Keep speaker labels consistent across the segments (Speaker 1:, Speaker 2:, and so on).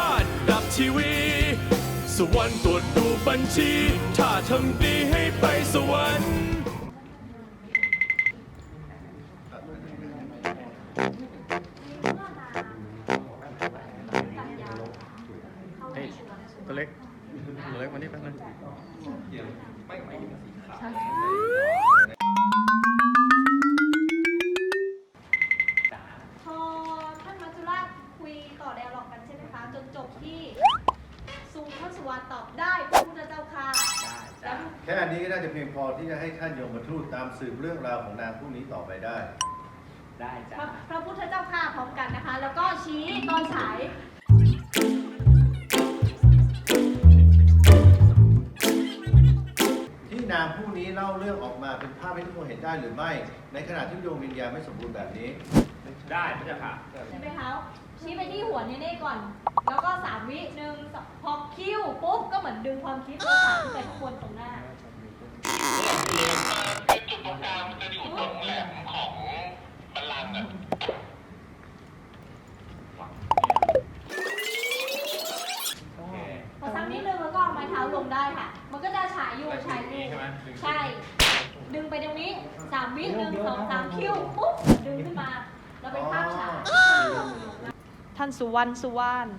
Speaker 1: าษดับทีวีสวรรค์ตรวจดูบัญชีถ้าทำดีให้ไปสวรรค์
Speaker 2: ตัวเล็กมานี่แป๊บนึง
Speaker 3: พอท่านมัจจุราชคุยต่อไดอะล็อกกันใช่ไหมคะจนจบที่ท่านสุวรรณตอบได้พระพุทธเจ้าค่ะแล้ว
Speaker 4: แค่อันนี้ก็น่าจะเพียงพอที่จะให้ท่านยมทูตตามสืบเรื่องราวของนางผู้นี้ต่อไปได้
Speaker 5: ได้จ้ะ
Speaker 3: พระพุทธเจ้าค่ะพร้อมกันนะคะ แล้วก็ชี้ตอนฉาย
Speaker 4: ที่นางผู้นี้เล่าเรื่องออกมาเป็นภาพให้ทุกคนเห็นได้หรือไม่ ในขณะที่ดวงวิญญาณไม่สมบูรณ์แบบนี้
Speaker 5: ได้พระเจ้าค่ะ
Speaker 3: ใช่ไหมคะชี้ไปที่หัวเน่ๆก่อน แล้วก็3 วิหนึ่งพอคิ้วปุ๊บก็เหมือนดึงความคิดแล้วถามขึ้นไปข้างบนตรงหน้า
Speaker 6: คือจุดตรงกลางมันจะอยู่ตรงแหลมของบัลลังก์อะ
Speaker 3: พอซ้ำนิดนึงแล้วก็เอาไม้เท้าลงได้ค่ะ มันก็จะฉายอยู่ฉายอยู่ใช่ ดึงไปตรงนี้3 วิ1 2 3คิ้วปุ๊บดึงขึ้นมาแล้วเป็นภาพฉายท่านสุวรรณ
Speaker 4: ท่านสุวรรณ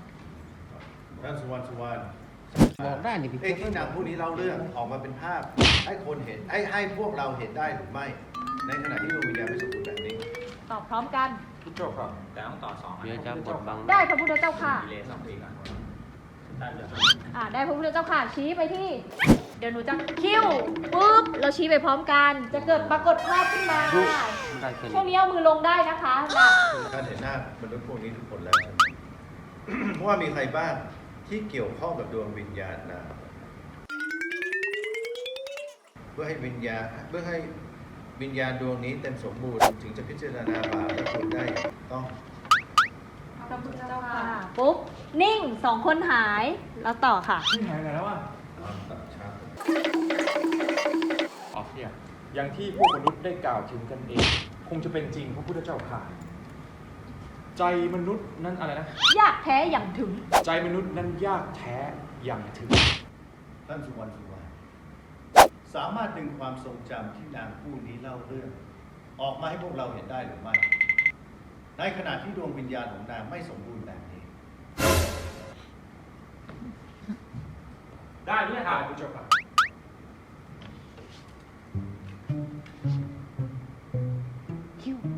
Speaker 2: บอกได้นี่พี่
Speaker 4: ที่นางผู้นี้เล่าเรื่องออกมาเป็นภาพ ให้คนเห็นให้พวกเราเห็นได้หรือไม่ ในขณะที่ดวงวิญญาณไม่สมบูรณ์แบบนี้
Speaker 3: ตอบพร้อมกัน
Speaker 5: พี่โจครับแต่ต้องต่อ2
Speaker 2: เดี๋ยวจะกดบัง
Speaker 3: ได้พระพุทธเจ้าค่ะ
Speaker 5: ดีเลย2 ปีก่อนได้เลย
Speaker 3: ได้พระพุทธเจ้าค่ะชี้ไปที่ เดี๋ยวหนูจะคิ้วปุ๊บเราชี้ไปพร้อมกัน จะเกิดปรากฏภาพขึ้นมา
Speaker 2: ได้แค่
Speaker 3: ช่วง
Speaker 2: นี้
Speaker 3: นี้เอามือลงได้นะคะหลับ
Speaker 4: ท่านเห็นหน้ามนุษย์พวกนี้ทุกคนแล้ว เพราะว่ามีใครบ้างที่เกี่ยวข้องกับดวงวิญญาณนะเพื่อให้วิญญาณดวงนี้เต็มสมบูรณ์ถึงจะพิจารณาบาปและคุณได้อย่างถูกต้อง
Speaker 3: พระพุทธเจ้าค่ะปุ๊บนิ่ง2 คนหายแล้วต่อค่ะ
Speaker 7: นี่หายไปแล้วอ่ะ
Speaker 4: ตัดชัด
Speaker 7: อ๋อเนี่ยอย่างที่พวกมนุษย์ได้กล่าวถึงกันเอง คงจะเป็นจริงพระพุทธเจ้าค่ะ ใจมนุษย์นั้นอะไรนะ
Speaker 3: ยากแท้อย่างถึง
Speaker 7: ใจมนุษย์นั้นยากแท้อย่างถึง
Speaker 4: ท่านสุวรรณสามารถดึงความทรงจำที่นางผู้นี้เล่าเรื่อง ออกมาให้พวกเราเห็นได้หรือไม่ ในขณะที่ดวงวิญญาณของนางไม่สมบูรณ์แบบนี้
Speaker 7: ได้พระพุทธเจ้าค่ะ
Speaker 3: คิ้ว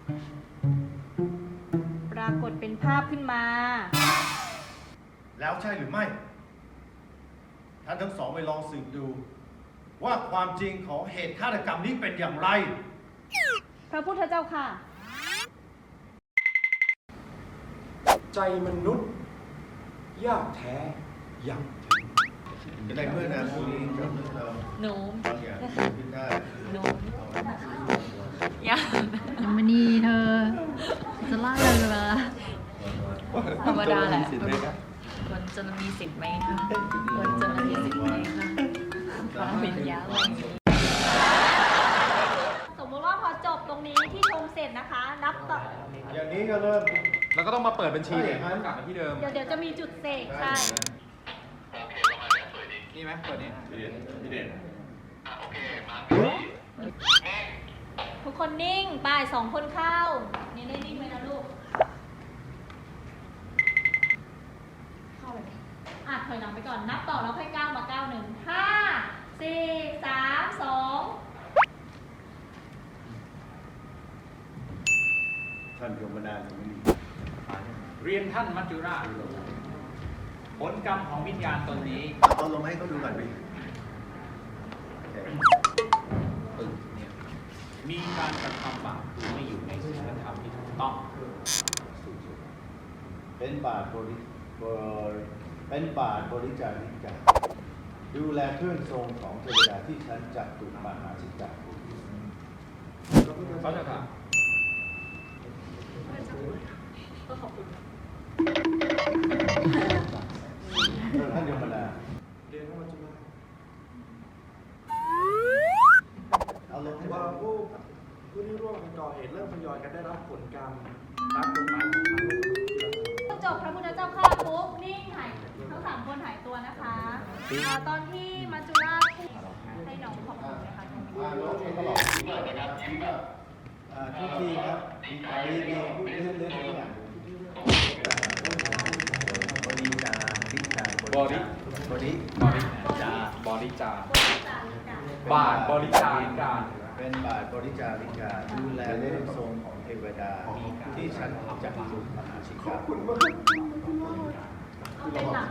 Speaker 3: ปรากฏเป็นภาพขึ้นมา
Speaker 4: แล้วใช่หรือไม่ ท่านทั้งสองไปลองสืบดู ว่าความจริงของเหตุฆาตกรรมนี้เป็นอย่างไร
Speaker 3: พระพุทธเจ้าค่ะ
Speaker 7: ใจมนุษย์ยากแท้อย่างถึง
Speaker 4: จะได้เมื่อนางผู้นี้ทำให้เรา
Speaker 3: หนู
Speaker 4: บางอย่างขึ้นได้
Speaker 3: หนู
Speaker 8: ยังไม่นีเธอ จะล่าเลยเหรอธรรมดาแหละคนจะมีสิทธิ์ไหมคะคนจะมีสิทธิ์ไหมคะความวิญญาณอะไร
Speaker 3: สมมติว่าพอจบตรงนี้ที่ชมเสร็จนะคะ นับต่อ
Speaker 4: อย่างนี้ก็เริ่ม
Speaker 7: แล้วก็ต้องมาเปิดบัญชีเลยครับกลับมาที่เดิม
Speaker 3: เดี๋ยวจะมีจุดเสกใช่
Speaker 6: โอเคประมาณนี้สวยดี
Speaker 7: นี่ไหมเปิดนี่
Speaker 4: พี่เด่น
Speaker 6: โอเคมา
Speaker 3: ทุกคนนิ่งไป2 คนเข้า นี่ได้นิ่งไหมนะลูก เข้าเลยถอยหลังไปก่อน นับต่อแล้วค่อยก้าวมาก้าว1 5 4 3 2
Speaker 4: ท่านยมนาถยังไม่มี
Speaker 5: เรียนท่านมัจจุราชผลกรรมของวิญญาณตนนี้
Speaker 4: เอาลงให้เขาดูก่อนดิโอเค
Speaker 5: เนี่ยมีการกระทำบาปคือไม่อยู่ในศีลธรรมที่ถูกต้อง
Speaker 4: เป็นบาทบริจาริกาดูแลเครื่องทรงของเทวดาที่ฉันจับตุมหาสิจักร
Speaker 7: เขาจะค่ะ
Speaker 4: ท่านยมนา
Speaker 7: เรียนเข้ามาจุฬา
Speaker 4: เอาลงให้
Speaker 9: ว่า
Speaker 4: เรา
Speaker 9: ผู้ที่ร่วมกันก่อเหตุเริ่มทยอยกันได้รับผลกรรมตามกฎหมายของทางโลก
Speaker 3: จบพระพุทธเจ้าข้าปุ๊บนิ่งหายทั้งสามคนหายตัวนะคะตอนที่มัจจุราชพูดให้น้องขอบคุณนะคะ
Speaker 4: น้องเองก็หลอกทุกทีครับมีพูดเรื่องทุกอย่างบริจาริจา
Speaker 7: บริ
Speaker 4: บริ
Speaker 7: บริจาบริจาบาทบริจาริกา
Speaker 4: เป็นบาทบริจาริกาดูแลเรื่องทรงของเทวดาที่ฉันจักรุมหาชิกา
Speaker 3: เอาเป็นหลัก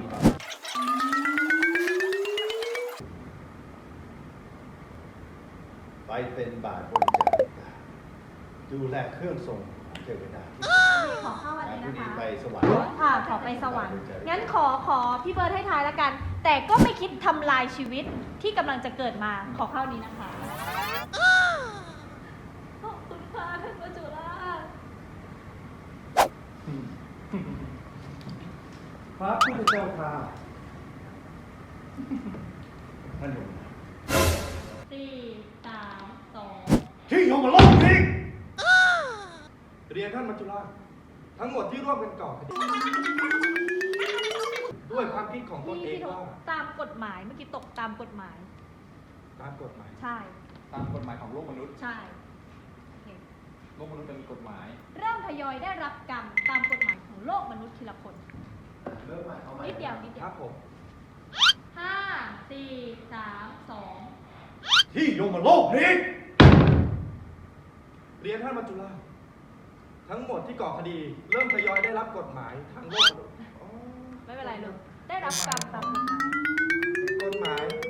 Speaker 4: ไปเป็นบาทบริจาริกาดูแลเครื่องทรงของเทวดาที่
Speaker 3: ขอเข้าวันนี้
Speaker 4: ผู้
Speaker 3: นะ
Speaker 4: นี้
Speaker 3: คะ
Speaker 4: ไปสวรรค์
Speaker 3: ค่ะขอไปสวรรค์งั้นขอพี่เบิร์ดให้ทายแล้วกัน แต่ก็ไม่คิดทำลายชีวิตที่กำลังจะเกิดมาขอเข้านี้นะคะขอบคุณค่ะท่านมัจจุราช
Speaker 9: พระพุทธเจ้าค่ะ
Speaker 4: ท่านหนุ่ม
Speaker 3: 4 3 2
Speaker 4: ที่ยมมาลบทิ้ง
Speaker 9: เรียนท่านมัจจุราชทั้งหมดที่ร่วมกันก่อคดีด้วยความคิดของตนเองว่า
Speaker 3: ตามกฎหมายเมื่อกี้ตกตามกฎหมาย
Speaker 9: ตามกฎหมาย
Speaker 3: ใช่
Speaker 7: ตามกฎหมายของโลกมนุษย์
Speaker 3: ใช่โอเค
Speaker 7: โลกมนุษย์จะมีกฎหมาย
Speaker 3: เริ่มทยอยได้รับกรรมตามกฎหมายของโลกมนุษย์ทีละคน
Speaker 4: เริ่มใหม่เอาใหม่
Speaker 3: นิดเดียวนิดเดี
Speaker 9: ค
Speaker 3: ย
Speaker 9: รั
Speaker 3: ว
Speaker 9: บผม
Speaker 3: 5 4 3
Speaker 4: ที่ยมมาลบทิ้ง
Speaker 9: เรียนท่านมัจจุราชทั้งหมดที่ก่อคดี เริ่มทยอยได้รับกฎหมายทางโลกมนุษย์อ๋อ
Speaker 3: 2ไม่เป็นไรลูกได้รับกรรมตามกฎหมาย
Speaker 9: กฎหมาย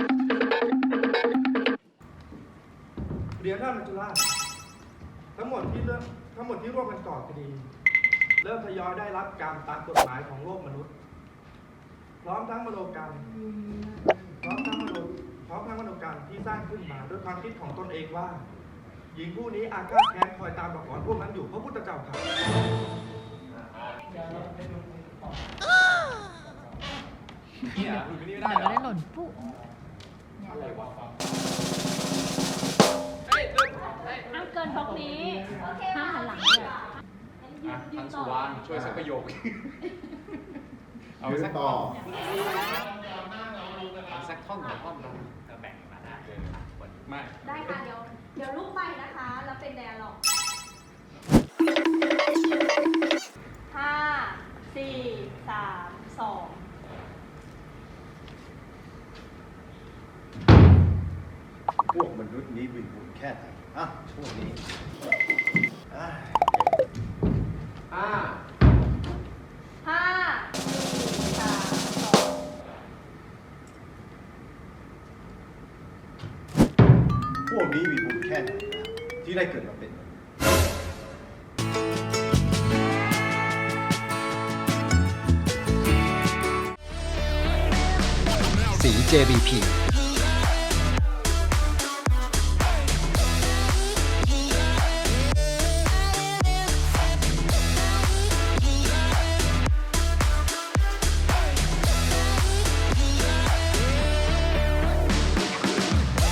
Speaker 9: เรียนท่านมัจจุราชทั้งหมดที่ร่วมกันก่อคดี เริ่มทยอยได้รับกรรมตามกฎหมายของโลกมนุษย์ พร้อมทั้งมโนกรรมพร้อมทั้งมโนกรรมที่สร้างขึ้นมาด้วยความคิดของตนเองว่า หญิงผู้นี้อาฆาตแค้นคอยตามหลอกหลอนพวกนั้นอยู่พระพุทธเจ้าค่ะ
Speaker 7: นี่เหรอคุณไม่ได้
Speaker 8: แต่
Speaker 7: เหร
Speaker 8: ก็
Speaker 7: อ
Speaker 8: ได้หล่นปุ๊บ
Speaker 7: อะไรวะ
Speaker 3: ห้ามเกินบล็อกนี้ห้ามหันหลังด้วย
Speaker 7: อ่ะ
Speaker 3: ยื
Speaker 7: ทั
Speaker 3: น
Speaker 7: น
Speaker 3: ต่
Speaker 7: สุ
Speaker 3: อ
Speaker 7: วรรณช่วยสักประโยค เอาไป
Speaker 4: ยืน
Speaker 7: สัก
Speaker 4: ต่อ
Speaker 7: เอาสักท่อนสองท่อนนะจะแบ่งมาได้ไม่
Speaker 3: ได้ค่ะเดี๋ยวลูกไปนะคะ แล้วเป็นแดร์ล็อก5 4 3 2
Speaker 4: พวกมนุษย์นี้วินบุญแค่ไหนอ่ะช่วงนี้อ่ะ
Speaker 3: 5 4 3 2
Speaker 4: พวกนี้มีบุญแค่ไหนนะที่ได้เกิดมาเป็นมนุษย์
Speaker 10: สี JBP